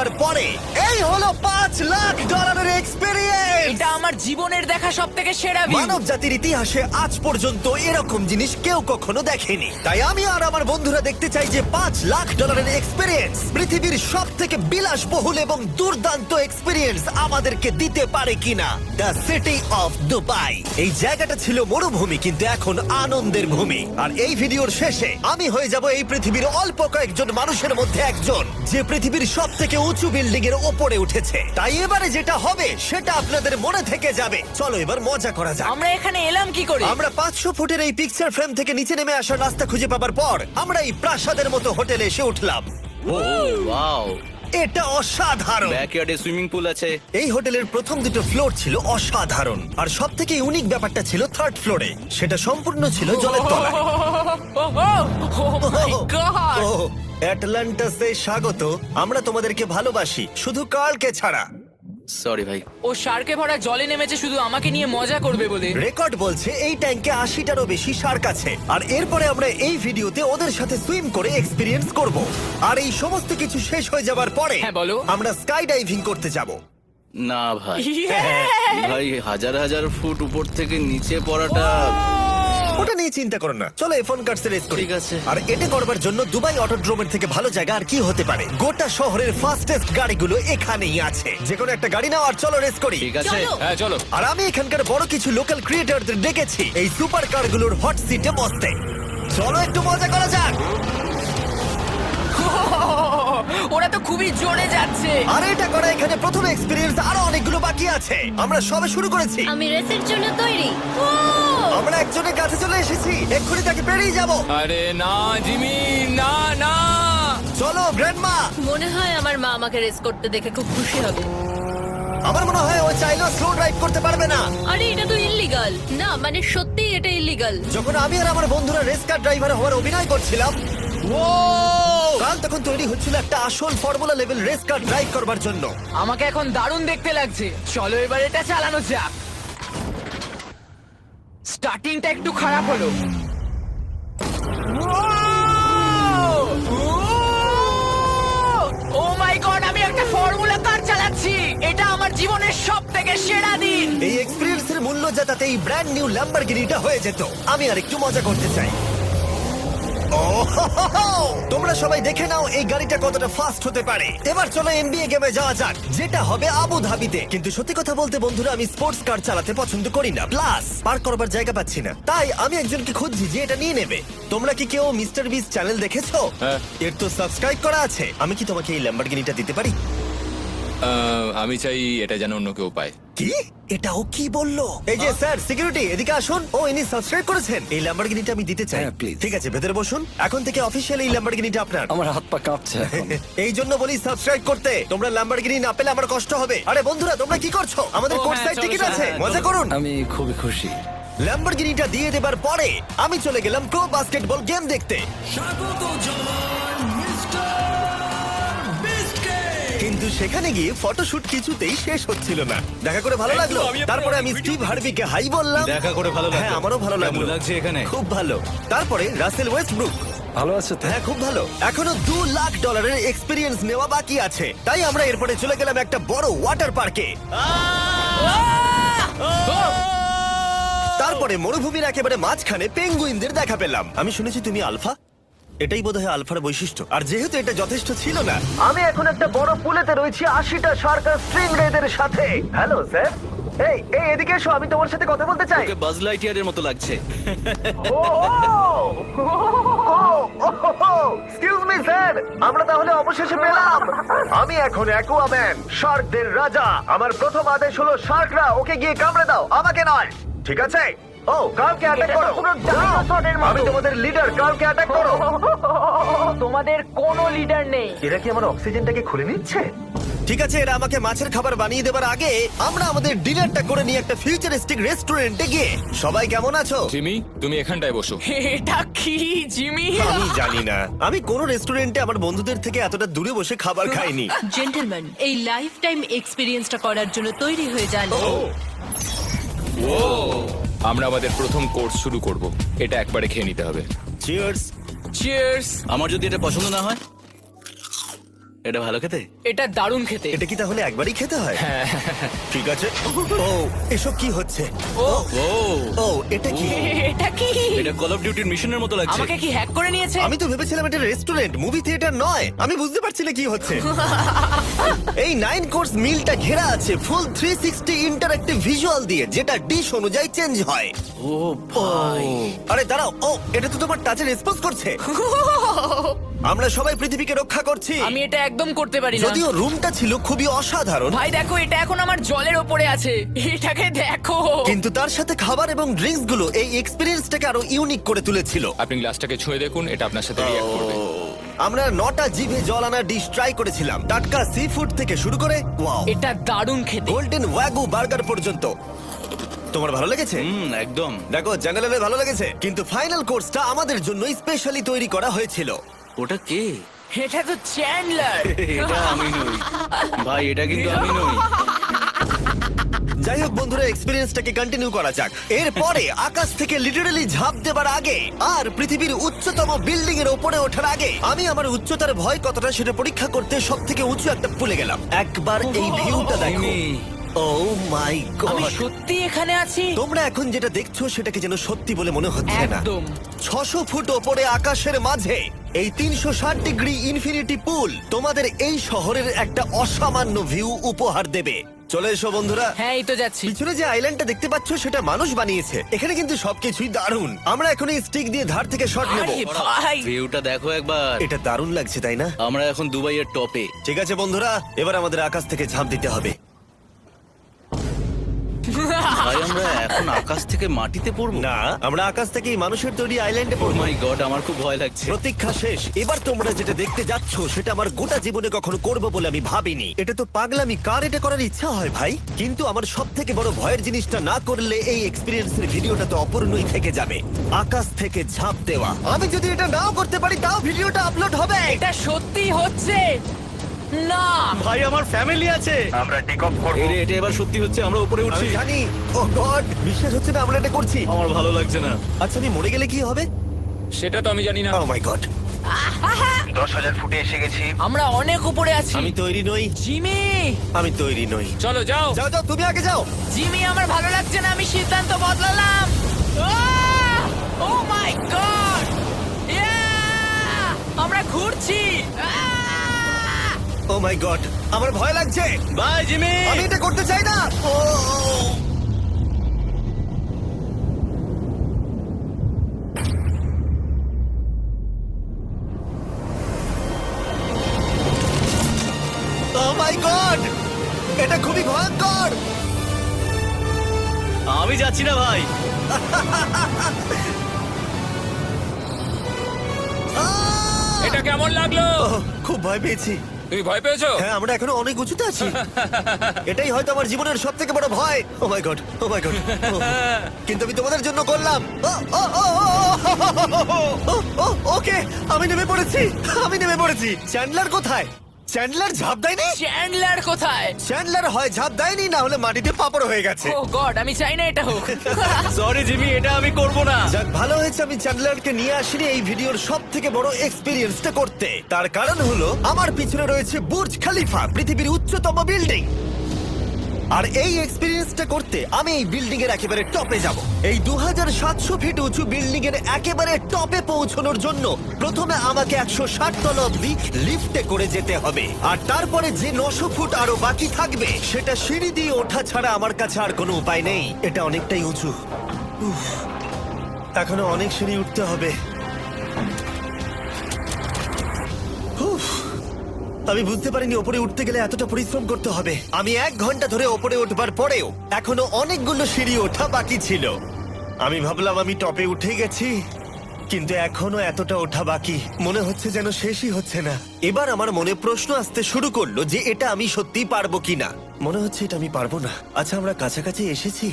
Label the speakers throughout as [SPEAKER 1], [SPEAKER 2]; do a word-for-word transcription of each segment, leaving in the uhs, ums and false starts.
[SPEAKER 1] দেবার পরে এই হলো পাঁচ লাখ ডলারের এক্সপেরিয়েন্স।
[SPEAKER 2] এটা আমার জীবনের দেখা সব থেকে সেরা ভিউ।
[SPEAKER 1] মানব জাতির ইতিহাসে আজ পর্যন্ত এরকম জিনিস কেউ কখনো দেখেনি। তাই আমি আর আমার বন্ধুরা দেখতে চাই যে পাঁচ লাখ ডলারের এক্সপেরিয়েন্স পৃথিবীর সব থেকে বিলাসবহুল এবং দুর্দান্ত এক্সপেরিয়েন্স আমাদেরকে দিতে পারে কিনা। The city of Dubai. এই জায়গাটা ছিল মরুভূমি, কিন্তু এখন আনন্দের ভূমি। আর এই ভিডিওর শেষে আমি হয়ে যাব এই পৃথিবীর অল্প কয়েকজন মানুষের মধ্যে একজন, যে পৃথিবীর সব থেকে উঁচু বিল্ডিং এর ওপরে উঠেছে। তাই এবারে যেটা হবে সেটা আপনাদের মনে থেকে যাবে। চলো এবার মজা করা যাক।
[SPEAKER 2] আমরা এখানে এলাম কি করে?
[SPEAKER 1] আমরা পাঁচশো ফুটের এই পিকচার ফ্রেম থেকে নিচে নেমে আসার রাস্তা খুঁজে পাবার পর আমরা এই প্রাসাদের মতো হোটেলে এসে উঠলাম।
[SPEAKER 3] ও ওয়াও,
[SPEAKER 1] এটা অসাধারণ।
[SPEAKER 3] ব্যাকইয়ার্ডে সুইমিং পুল আছে।
[SPEAKER 1] এই হোটেলের প্রথম দুটো ফ্লোর ছিল অসাধারণ, আর সব থেকে ইউনিক ব্যাপারটা ছিল থার্ড ফ্লোরে। সেটা সম্পূর্ণ ছিল জলের তলায়।
[SPEAKER 2] Oh my God!
[SPEAKER 1] ও, অ্যাটলান্টাসে স্বাগত। আমরা তোমাদেরকে ভালোবাসি, শুধু কার্লকে ছাড়া।
[SPEAKER 3] সরি ভাই।
[SPEAKER 2] ও শার্কে ভরা জলে নেমেছে শুধু আমাকে নিয়ে মজা করবে বলে।
[SPEAKER 1] রেকর্ড বলছে এই ট্যাঙ্কে আশিটারও বেশি শার্ক আছে। আর এরপরে আমরা এই ভিডিওতে ওদের সাথে সুইম করে এক্সপিরিয়েন্স করব। আর এই সমস্ত কিছু শেষ হয়ে যাবার পরে
[SPEAKER 2] হ্যাঁ, বলো।
[SPEAKER 1] আমরা স্কাই ডাইভিং করতে যাব।
[SPEAKER 3] না ভাই,
[SPEAKER 2] Yeah!
[SPEAKER 3] ভাই হাজার হাজার ফুট উপর থেকে নিচে পড়াটা।
[SPEAKER 1] ওটা নিয়ে চিন্তা করো না, চলো এফোন কার্ডস রেস করি।
[SPEAKER 3] ঠিক আছে।
[SPEAKER 1] আর এটা করবার জন্য দুবাই অটোড্রোমের থেকে ভালো জায়গা আর কি হতে পারে। গোটা শহরের ফাস্টেস্ট গাড়িগুলো এখানেই আছে। যে কোনো একটা গাড়ি নাও আর চলো রেস করি।
[SPEAKER 3] ঠিক আছে,
[SPEAKER 2] হ্যাঁ চলো।
[SPEAKER 1] আর আমি এখানকার বড় কিছু লোকাল ক্রিয়েটরদের ডেকেছি এই সুপার কারগুলোর হট সিটে বসতে। চলো একটু মজা করা যাক।
[SPEAKER 2] ওরা তো খুবই জোরে যাচ্ছে।
[SPEAKER 1] আর এটা করা এখানে প্রথম এক্সপিরিয়েন্স, আরো অনেকগুলো বাকি আছে। আমরা সবে শুরু করেছি।
[SPEAKER 4] আমি রেসের জন্য তৈরি। ও
[SPEAKER 1] আমরা একজনের কাছে চলে এসেছি, এক্ষুনি তাকে পেরিয়ে যাব।
[SPEAKER 2] আরে না জিমি, না না।
[SPEAKER 1] চলো গ্র্যান্ডমা।
[SPEAKER 4] মনে হয় আমার মা আমাকে রেস করতে দেখে খুব খুশি হবে।
[SPEAKER 1] আমার মনে হয় ও চাইলেও স্লো ড্রাইভ করতে পারবে না।
[SPEAKER 4] আরে এটা তো ইল্লিগাল। না মানে সত্যি এটা ইল্লিগাল।
[SPEAKER 1] যখন আমি আর আমার বন্ধুরা রেস কার ড্রাইভার হওয়ার অভিনয় করছিলাম,
[SPEAKER 2] ও
[SPEAKER 1] কাল তখন তৈরি হচ্ছিল একটা আসল formula level race car drive করবার জন্য।
[SPEAKER 2] আমাকে এখন দারুণ দেখতে লাগছে। চলো এবার এটা চালানো যাক। স্টার্টিংটা একটু খারাপ হলো। ও মাই গড, আমি একটা ফর্মুলা কার চালাচ্ছি। এটা আমার জীবনের সব থেকে সেরা দিন।
[SPEAKER 1] এই এক্সপিরিয়েন্সের মূল্য যা তাতে এই ব্র্যান্ড নিউ ল্যাম্বরগিনিটা হয়ে যেত। আমি আর একটু মজা করতে চাই। ও হো হো হো! তোমরা সবাই দেখে নাও এই গাড়িটা কতটা ফাস্ট হতে পারে। এবার চলো এনবিএ গেমে যাওয়া যাক, যেটা হবে আবু ধাবিতে। কিন্তু সত্যি কথা বলতে বন্ধুরা, আমি স্পোর্টস কার চালাতে পছন্দ করি না, প্লাস পার্ক করবার জায়গা পাচ্ছি না। তাই আমি একজনকে খুঁজছি যে এটা নিয়ে নেবে। তোমরা কি কেউ মিস্টার বিস চ্যানেল দেখেছো?
[SPEAKER 5] হ্যাঁ।
[SPEAKER 1] এর তো সাবস্ক্রাইব করা আছে। আমি কি তোমাকে এই ল্যাম্বরগিনিটা দিতে পারি?
[SPEAKER 5] আহ, আমি চাই এটা যেন অন্য কেউ পায়।
[SPEAKER 1] কি? এটা ও কি বললো? এই যে স্যার সিকিউরিটি, এদিকে আসুন। ও ইনি সাবস্ক্রাইব করেছেন। এই ল্যাম্বরগিনিটা আমি দিতে চাই।
[SPEAKER 6] হ্যাঁ, please.
[SPEAKER 1] ঠিক আছে, ভেতরে বসুন। এখন থেকে অফিসিয়ালি এই ল্যাম্বরগিনিটা আপনার।
[SPEAKER 6] আমার হাত পা কাঁপছে এখন।
[SPEAKER 1] এই জন্য বলি সাবস্ক্রাইব করতে। তোমরা ল্যাম্বরগিনি না পেলে আমার কষ্ট হবে। আরে বন্ধুরা, তোমরা কি করছো? আমাদের
[SPEAKER 2] ও,
[SPEAKER 1] কোর্ট
[SPEAKER 2] হ্যাঁ,
[SPEAKER 1] সাইড
[SPEAKER 2] চলো,
[SPEAKER 1] টিকিট
[SPEAKER 2] চলো,
[SPEAKER 1] আছে,
[SPEAKER 2] হ্যাঁ,
[SPEAKER 1] মজা
[SPEAKER 2] চলো।
[SPEAKER 1] করুন।
[SPEAKER 6] আমি খুবই খুশি।
[SPEAKER 1] ল্যাম্বরগিনিটা দিয়ে দেবার পরে আমি চলে গেলাম প্রো বাস্কেটবল গেম দেখতে। কিন্তু সেখানে গিয়ে ফটোশুট কিছুতেই শেষ হচ্ছিল না। দেখা করে ভালো লাগলো। তারপরে আমি স্টিভ হার্ভিকে হাই বললাম।
[SPEAKER 3] দেখা করে ভালো লাগলো।
[SPEAKER 1] হ্যাঁ, আমারও ভালো লাগলো।
[SPEAKER 3] কেমন লাগছে এখানে?
[SPEAKER 1] খুব ভালো। তারপরে রাসেল ওয়েস্টব্রুক।
[SPEAKER 6] ভালো আছে তো?
[SPEAKER 1] হ্যাঁ, খুব ভালো। এখনো দু লাখ ডলারের এক্সপিরিয়েন্স নেওয়া বাকি আছে। তাই আমরা এরপরে চলে গেলাম একটা বড় ওয়াটার পার্কে। তারপরে মরুভূমির একেবারে মাঝখানে পেঙ্গুইনদের দেখা পেলাম। আমি শুনেছি তুমি আলফা। এটাই বোধহয় আলফার বৈশিষ্ট্য। আর যেহেতু এটা যথেষ্ট ছিল না, আমি এখন একটা বড় পুলেতে রয়েছি আশিটা শার্ক আর স্ট্রিং রেদের সাথে। Hello sir. এই এই এদিকে এসো, আমি তোমার সাথে কথা বলতে চাই।
[SPEAKER 3] ওকে বাজ লাইটইয়ারের মতো লাগছে।
[SPEAKER 1] এক্সকিউজ মি স্যার, আমরা তাহলে অবশেষে পেলাম। আমি এখন অ্যাকুয়াম্যান, শার্কদের রাজা। আমার প্রথম আদেশ হলো শার্করা ওকে গিয়ে কামড়ে দাও, আমাকে নয়। ঠিক আছে? ও, কালকে অ্যাটাক করো। আমি তোমাদের লিডার, কালকে অ্যাটাক করো।
[SPEAKER 2] তোমাদের কোনো লিডার নেই।
[SPEAKER 1] এরা কি আমার অক্সিজেনটাকে খুলে নিচ্ছে? ঠিক আছে, এরা আমাকে মাছের খাবার বানিয়ে দেবার আগে আমরা আমাদের ডিনারটা করে নিয়ে একটা ফিউচারিস্টিক রেস্টুরেন্টে গিয়ে। সবাই কেমন আছো?
[SPEAKER 5] জিমি, তুমি এখানটায় বসো।
[SPEAKER 2] এটা কি জিমি?
[SPEAKER 1] আমি জানি না, আমি কোন রেস্টুরেন্টে আমার বন্ধুদের থেকে এতটা দূরে বসে খাবার খাইনি।
[SPEAKER 4] জেন্টলম্যান, এই লাইফ টাইম এক্সপিরিয়েন্সটা করার জন্য তৈরি হয়ে যান।
[SPEAKER 5] আমরা আমাদের প্রথম কোর্স শুরু করব। এটা একবারে খেয়ে নিতে হবে।
[SPEAKER 1] চিয়ার্স।
[SPEAKER 2] চিয়ার্স।
[SPEAKER 3] আমার যদি এটা পছন্দ না হয়? এটা ভালো খেতে?
[SPEAKER 2] এটা দারুণ খেতে।
[SPEAKER 1] এটা কি তাহলে একবারই খেতে হয়? ঠিক আছে। ও এসব কি হচ্ছে?
[SPEAKER 2] ও
[SPEAKER 3] ও
[SPEAKER 1] ও এটা কি?
[SPEAKER 2] এটা কি?
[SPEAKER 3] এটা কল অফ ডিউটির মিশনের মতো লাগছে।
[SPEAKER 2] আমাকে কি হ্যাক করে নিয়েছে?
[SPEAKER 1] আমি তো ভেবেছিলাম এটা রেস্টুরেন্ট, মুভি থিয়েটার নয়। আমি বুঝতে পারছি না কি হচ্ছে। এই নাইন কোর্স মিলটা ঘেরা আছে full three sixty interactive visual দিয়ে, যেটা ডিশ অনুযায়ী চেঞ্জ হয়।
[SPEAKER 3] ও ভাই,
[SPEAKER 1] আরে দাঁড়াও, ও এটা তো তোমার টাচে রেসপন্স করছে। আমরা সবাই পৃথিবীকে রক্ষা করছি।
[SPEAKER 2] আমি এটা একদম করতে পারি না।
[SPEAKER 1] যদিও রুমটা ছিল খুবই অসাধারণ,
[SPEAKER 2] ভাই দেখো, এটা এখন আমার জলের ওপরে আছে। এটাকে দেখো।
[SPEAKER 1] কিন্তু তার সাথে খাবার এবং ড্রিঙ্কস গুলো এই এক্সপেরিয়েন্সটাকে আরো ইউনিক করে তুলেছিল।
[SPEAKER 5] আপনি গ্লাসটাকে ছুঁয়ে দেখুন, এটা আপনার সাথে রিঅ্যাক্ট করবে।
[SPEAKER 1] আমরা নটা জিভে জল আনা ডিশ ট্রাই করেছিলাম, টাটকা সি ফুড থেকে শুরু করে ওয়াও
[SPEAKER 2] এটা দারুণ খেতে।
[SPEAKER 1] গোল্ডেন ওয়াগু বার্গার পর্যন্ত। তোমার ভালো লেগেছে?
[SPEAKER 3] হুম একদম।
[SPEAKER 1] দেখো জেনারেলে ভালো লেগেছে, কিন্তু ফাইনাল কোর্সটা আমাদের জন্য স্পেশালি তৈরি করা হয়েছিল।
[SPEAKER 3] ওটা কে?
[SPEAKER 2] এটা তো চ্যান্ডলার।
[SPEAKER 3] এটা আমি নই ভাই, এটা কিন্তু আমি নই।
[SPEAKER 1] যাই হোক বন্ধুরা, এক্সপেরিয়েন্সটাকে কন্টিনিউ করা যাক। এরপরে আকাশ থেকে লিটারালি ঝাঁপ দেবার আগে আর পৃথিবীর উচ্চতম বিল্ডিং এর উপরে ওঠার আগে আমি আমার উচ্চতার ভয় কতটা সেটা পরীক্ষা করতে সব থেকে উঁচু একটা পুলে গেলাম। একবার এই ভিউটা দেখো।
[SPEAKER 3] জিমি,
[SPEAKER 1] ও মাই
[SPEAKER 2] আমি
[SPEAKER 1] গড!
[SPEAKER 2] সত্যি এখানে আছি।
[SPEAKER 1] তোমরা এখন যেটা দেখছো সেটাকে যেন সত্যি বলে মনে হচ্ছে না।
[SPEAKER 2] একদম।
[SPEAKER 1] ছশো ফুট ওপরে আকাশের মাঝে এই তিনশো ষাট ডিগ্রি ইনফিনিটি পুল তোমাদের এই শহরের একটা অসামান্য ভিউ উপহার দেবে। চলে এসো বন্ধুরা।
[SPEAKER 2] হ্যাঁ, এই তো যাচ্ছি।
[SPEAKER 1] পিছনে যে আইল্যান্ডটা দেখতে পাচ্ছ সেটা মানুষ বানিয়েছে। এখানে কিন্তু সবকিছুই দারুণ। আমরা এখন এই স্টিক দিয়ে ধার থেকে শট নেব।
[SPEAKER 2] আরে ভাই,
[SPEAKER 3] ভিউটা দেখো একবার।
[SPEAKER 1] এটা দারুণ লাগছে তাই না?
[SPEAKER 3] আমরা এখন দুবাইয়ের টপে।
[SPEAKER 1] ঠিক আছে বন্ধুরা, এবার আমাদের আকাশ থেকে ঝাঁপ দিতে হবে।
[SPEAKER 3] ভাই আমরা এখন আকাশ থেকে মাটিতে পড়বো?
[SPEAKER 1] না, আমরা আকাশ থেকে এই মানুষের তৈরি আইল্যান্ডে
[SPEAKER 3] ও
[SPEAKER 1] পড়বো।
[SPEAKER 3] মাই গড, আমার খুব ভয় লাগছে।
[SPEAKER 1] প্রতীক্ষা শেষ। এবার তোমরা যেটা দেখতে যাচ্ছ সেটা আমার গোটা জীবনে কখনো করবো বলে আমি ভাবিনি। এটা তো পাগলামি, কার এটা করার ইচ্ছা হয় ভাই? কিন্তু আমার সব থেকে বড় ভয়ের জিনিসটা না করলে এই এক্সপিরিয়েন্সের ভিডিওটা তো অপূর্ণই থেকে যাবে। আকাশ থেকে ঝাঁপ দেওয়া। আমি যদি এটা নাও করতে পারি তাও ভিডিওটা আপলোড হবে।
[SPEAKER 2] এটা সত্যি হচ্ছে না।
[SPEAKER 3] ভাই আমার ফ্যামিলি আছে।
[SPEAKER 1] আমরা টেক অফ করব।
[SPEAKER 3] এরে, এটা এবার সত্যি হচ্ছে, আমরা উপরে
[SPEAKER 1] আমি
[SPEAKER 3] উঠছি।
[SPEAKER 1] জানি। ও গড, বিশ্বাস হচ্ছে না আমরা এটা করছি।
[SPEAKER 3] আমার ভালো লাগছে না।
[SPEAKER 1] আচ্ছা, আমি মরে গেলে কি হবে?
[SPEAKER 5] সেটা তো আমি জানি না।
[SPEAKER 1] ও মাই গড, দশ হাজার ফুটে এসে গেছি।
[SPEAKER 2] আমরা অনেক উপরে আছি।
[SPEAKER 1] আমি তৈরি নই,
[SPEAKER 2] জিমি,
[SPEAKER 1] আমি তৈরি নই।
[SPEAKER 5] চলো যাও।
[SPEAKER 1] যাও যাও, তুমি আগে যাও।
[SPEAKER 2] জিমি, আমার ভালো লাগছে না। আমি সিদ্ধান্ত বদলালাম। ও মাই গড, আমরা ঘুরছি।
[SPEAKER 1] ও মাই গড, আমার ভয় লাগছে।
[SPEAKER 3] Bye Jimmy.
[SPEAKER 1] আমি এটা করতে চাই না। ও মাই গড, এটা খুবই ভয়ঙ্কর।
[SPEAKER 3] আমি যাচ্ছি না ভাই।
[SPEAKER 1] আহ!
[SPEAKER 5] এটা কেমন লাগলো?
[SPEAKER 1] ওহ, খুব ভয় পেয়েছি।
[SPEAKER 5] তুমি ভয় পেয়েছো?
[SPEAKER 1] হ্যাঁ, আমরা এখনো অনেক উঁচুতে আছি। এটাই হয়তো আমার জীবনের সব থেকে বড় ভয়। Oh my god, oh my god. কিন্তু আমি তোমাদের জন্য করলাম। ও, ও, ও, ও, ও, ও, ও, ওকে, আমি নেমে পড়েছি, আমি নেমে পড়েছি। চ্যান্ডলার কোথায়? চ্যান্ডলার ঝাঁপ দেয়নি?
[SPEAKER 2] চ্যান্ডলার কোথায়?
[SPEAKER 1] চ্যান্ডলার হয় ঝাঁপ দেয়নি, না হলে মাটিতে পাপড় হয়ে গেছে।
[SPEAKER 2] ও গড, আমি চাই না এটা হোক।
[SPEAKER 3] সরি জিমি, এটা আমি করব না।
[SPEAKER 1] যাক, ভালো হয়েছে আমি চ্যান্ডলারকে নিয়ে আসিনি এই ভিডিওর সব থেকে বড় এক্সপিরিয়েন্সটা করতে। তার কারণ হলো আমার পিছনে রয়েছে বুর্জ খলিফা, পৃথিবীর উচ্চতম বিল্ডিং। আর এই এক্সপিরিয়েন্সটা করতে আমি এই বিল্ডিং এর একেবারে টপে যাব। এই দু হাজার সাতশো ফিট উঁচু বিল্ডিং এর একেবারে টপে পৌঁছানোর জন্য প্রথমে আমাকে একশো ষাট তলা অব্দি লিফটে করে যেতে হবে, আর তারপরে যে নশো ফুট আরো বাকি থাকবে সেটা সিঁড়ি দিয়ে ওঠা ছাড়া আমার কাছে আর কোনো উপায় নেই। এটা অনেকটাই উঁচু। উফ, এখনো অনেক সিঁড়ি উঠতে হবে। উফ, আমি বুঝতে পারিনি ওপরে উঠতে গেলে এতটা পরিশ্রম করতে হবে। আমি এক ঘন্টা ধরে ওপরে উঠবার পরেও এখনো অনেকগুলো সিঁড়ি ওঠা বাকি ছিল। আমি ভাবলাম আমি টপে উঠে গেছি, কিন্তু এখনো এতটা ওঠা বাকি। মনে হচ্ছে যেন শেষই হচ্ছে না। এবার আমার মনে প্রশ্ন আসতে শুরু করলো যে এটা আমি সত্যি পারবো কিনা। মনে হচ্ছে এটা আমি পারবো না। আচ্ছা, আমরা কাছাকাছি এসেছি।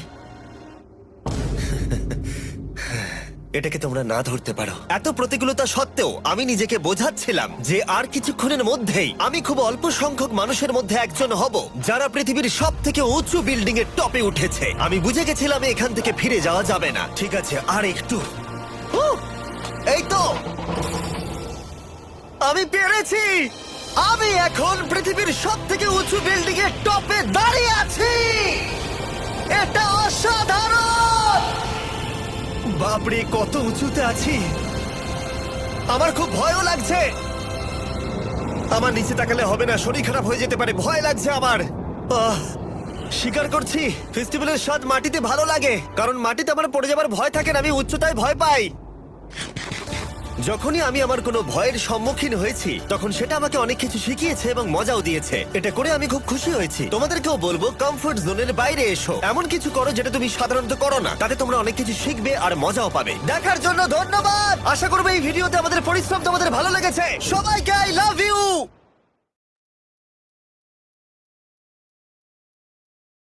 [SPEAKER 1] এটাকে তোমরা না ধরতে পারো। এত প্রতিকূলতা সত্ত্বেও আমি নিজেকে বোঝাচ্ছিলাম যে আর কিছুক্ষণের মধ্যেই আমি খুব অল্প সংখ্যক মানুষের মধ্যে একজন হব যারা পৃথিবীর সব থেকে উঁচু বিল্ডিং এর টপে উঠেছে। আমি বুঝে গেছিলাম এখান থেকে ফিরে যাওয়া যাবে না। ঠিক আছে, আর একটু। উহ, এই তো, আমি পেরেছি। আমি এখন পৃথিবীর সব থেকে উঁচু বিল্ডিং এর টপে দাঁড়িয়ে আছি। এটা অসাধারণ! বাপরে, কত উঁচুতে আছি! আমার খুব ভয়ও লাগছে। আমার নিচে তাকালে হবে না, শরীর খারাপ হয়ে যেতে পারে, ভয় লাগছে আমার। আহ, স্বীকার করছি, ফেস্টিভ্যালের স্বাদ মাটিতে ভালো লাগে, কারণ মাটিতে আমার পড়ে যাবার ভয় থাকে না, আমি উচ্চতায় ভয় পাই। যখনই আমি আমার কোনো ভয়ের সম্মুখীন হয়েছি তখন সেটা আমাকে অনেক কিছু শিখিয়েছে এবং মজাও দিয়েছে। এটা করে আমি খুব খুশি হয়েছি। তোমাদেরকেও বলবো কমফোর্ট জোনের বাইরে এসো, এমন কিছু করো যেটা তুমি সাধারণত করো না, তাতে তোমরা অনেক কিছু শিখবে আর মজাও পাবে। দেখার জন্য ধন্যবাদ। আশা করবো এই ভিডিওতে আমাদের পরিশ্রম তোমাদের ভালো লেগেছে। সবাইকে আই লাভ ইউ।